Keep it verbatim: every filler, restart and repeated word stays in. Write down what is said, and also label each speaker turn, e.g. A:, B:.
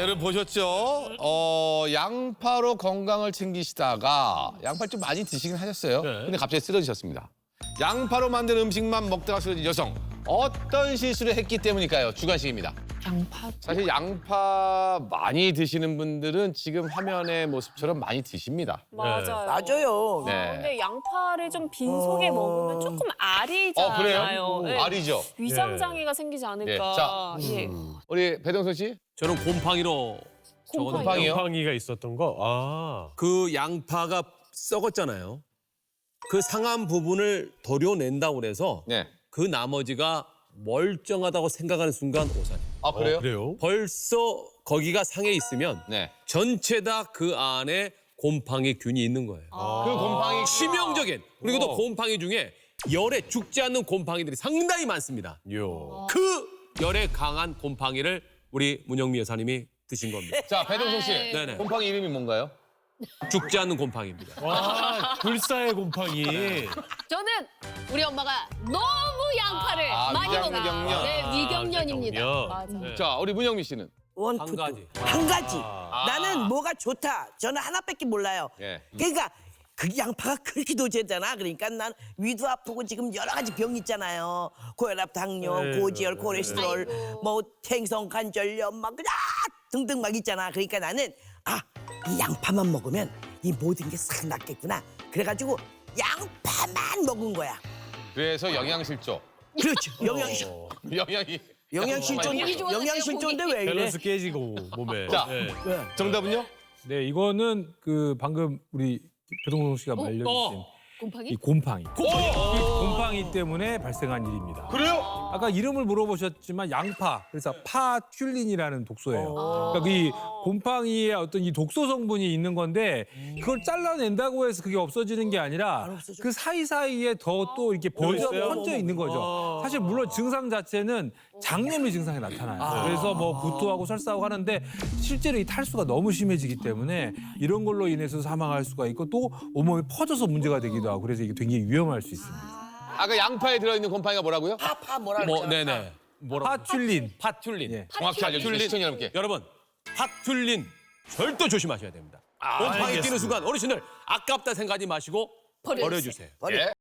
A: 여러분 보셨죠? 어, 양파로 건강을 챙기시다가 양파를 좀 많이 드시긴 하셨어요.
B: 네.
A: 근데 갑자기 쓰러지셨습니다. 양파로 만든 음식만 먹다가 쓰러진 여성. 어떤 실수를 했기 때문일까요? 주관식입니다.
C: 양파.
A: 사실 양파 많이 드시는 분들은 지금 화면의 모습처럼 많이 드십니다.
C: 맞아요.
D: 맞아요.
A: 네.
C: 근데 양파를 좀 빈속에
D: 어.
C: 먹으면 조금 알이잖아요.
A: 어, 그래요?
C: 네.
A: 알이죠?
C: 위장 장애가 생기지 않을까.
A: 예, 자.
C: 예.
A: 우리 배동선 씨?
B: 저는 곰팡이로 적어놓은
A: 곰팡이요?
E: 곰팡이가 있었던 거. 아.
B: 그 양파가 썩었잖아요. 그 상한 부분을 도려낸다고 그래서
A: 네.
B: 그 나머지가 멀쩡하다고 생각하는 순간 오산이.
A: 아, 그래요?
E: 어, 그래요?
B: 벌써 거기가 상해 있으면
A: 네.
B: 전체 다 그 안에 곰팡이균이 있는 거예요.
A: 그 곰팡이
B: 치명적인. 그리고 또
E: 어.
B: 곰팡이 중에 열에 죽지 않는 곰팡이들이 상당히 많습니다.
E: 요.
B: 그 열에 강한 곰팡이를 우리 문영미 여사님이 드신 겁니다.
A: 자, 배동선 씨.
B: 네네.
A: 곰팡이 이름이 뭔가요?
B: 죽지 않는 곰팡이입니다.
E: 와, 불사의 곰팡이.
F: 저는 우리 엄마가 너무 양파를
A: 아,
F: 많이
A: 위장
F: 먹어요.
A: 경련.
F: 네, 위경련입니다.
E: 위경련.
C: 맞아.
E: 네.
A: 자, 우리 문영미 씨는?
D: 원,
B: 한
D: 투,
B: 가지.
D: 투. 한 가지.
A: 아.
D: 나는 뭐가 좋다. 저는 하나밖에 몰라요.
A: 예.
D: 그러니까 그 양파가 그렇게 도제잖아. 그러니까 난 위도 아프고 지금 여러 가지 병 있잖아요. 고혈압, 당뇨,
E: 네,
D: 고지혈,
E: 네,
D: 콜레스테롤, 뭐 생성 관절염 막 그냥 등등 막 있잖아. 그러니까 나는 아, 이 양파만 먹으면 이 모든 게 싹 낫겠구나. 그래가지고 양파만 먹은 거야.
A: 그래서 영양실조.
D: 그렇죠. 영양실
A: 영양이.
D: 영양실조
F: 고기 좋아하세요,
D: 영양실조인데 왜 이래?
E: 밸런스 깨지고 몸에.
A: 자.
E: 네.
D: 왜?
A: 정답은요?
G: 네, 이거는 그 방금 우리 배동성 씨가 알려주신
B: 어.
F: 곰팡이?
G: 이 곰팡이.
B: 곰팡이.
G: 이 곰팡이 때문에 발생한 일입니다.
A: 그래요?
G: 아까 이름을 물어보셨지만 양파, 그래서 파퓰린이라는 독소예요. 그러니까 이 곰팡이의 어떤 이 독소 성분이 있는 건데 그걸 잘라낸다고 해서 그게 없어지는 게 아니라
D: 없어져.
G: 그 사이사이에 더 또 이렇게 번져,
E: 있어요?
G: 번져 있는 거죠. 사실 물론 증상 자체는 장염의 증상이 나타나요. 그래서 뭐 구토하고 설사하고 하는데 실제로 이 탈수가 너무 심해지기 때문에 이런 걸로 인해서 사망할 수가 있고 또 온몸에 퍼져서 문제가 되기도 하고 그래서 이게 굉장히 위험할 수 있습니다.
A: 아까 양파에 들어있는 곰팡이가 뭐라고요?
D: 파파 뭐라
B: 뭐,
D: 그러잖아.
B: 네네. 뭐라고?
G: 파퓰린.
B: 파튤린.
G: 예.
A: 정확히 알려주세요,
B: 튤린.
A: 시청자 여러분께.
B: 여러분, 파튤린 절대 조심하셔야 됩니다. 곰팡이
E: 알겠습니다.
B: 뛰는 순간 어르신들 아깝다 생각하지 마시고 버려주세요.
D: 버려.
A: 예.